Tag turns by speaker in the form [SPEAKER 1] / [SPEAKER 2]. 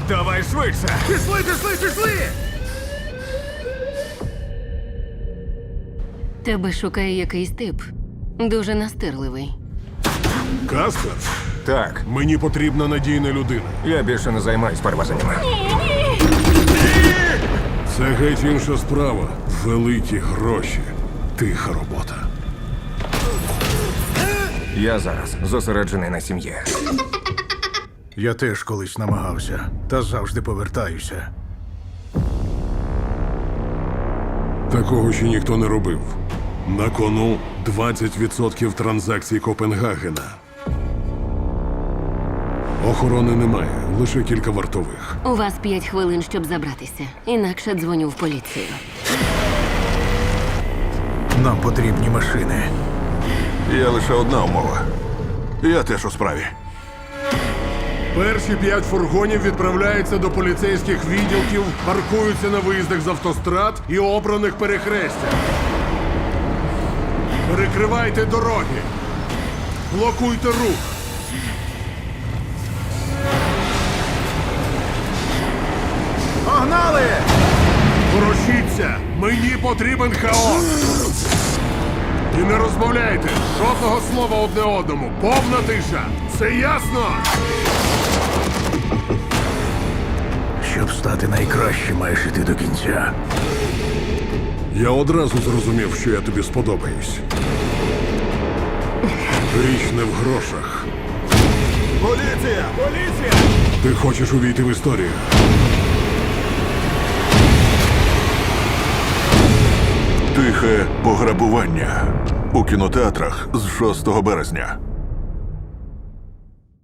[SPEAKER 1] Давай швидше!
[SPEAKER 2] Пішли, пішли, пішли!
[SPEAKER 3] Тебе шукає якийсь тип. Дуже настирливий.
[SPEAKER 1] Каспер,
[SPEAKER 4] Так,
[SPEAKER 1] мені потрібна надійна людина.
[SPEAKER 4] я більше не займаюсь перевезеннями.
[SPEAKER 1] Це геть інша справа. Великі гроші. Тиха робота.
[SPEAKER 4] Я зараз зосереджений на сім'ї.
[SPEAKER 2] Я теж колись намагався, та завжди повертаюся.
[SPEAKER 1] Такого ще ніхто не робив. На кону 20% транзакцій Копенгагена. Охорони немає, лише кілька вартових.
[SPEAKER 3] У вас 5 хвилин, щоб забратися. Інакше дзвоню в поліцію.
[SPEAKER 2] Нам потрібні машини.
[SPEAKER 5] Є лише одна умова. Я теж у справі.
[SPEAKER 1] Перші 5 фургонів відправляються до поліцейських відділків, паркуються на виїздах з автострад і обраних перехрестях. Перекривайте дороги. Блокуйте рух.
[SPEAKER 2] Погнали!
[SPEAKER 1] Ворушіться! Мені потрібен хаос! І не розмовляйте! Жодного слова одне одному! Повна тиша! Це ясно?
[SPEAKER 2] Щоб стати найкращим, маєш іти до кінця.
[SPEAKER 1] Я одразу зрозумів, що я тобі сподобаюсь. Річ не в грошах.
[SPEAKER 5] Поліція! Поліція!
[SPEAKER 1] Ти хочеш увійти в історію.
[SPEAKER 5] Тихе пограбування. У кінотеатрах з 6 березня.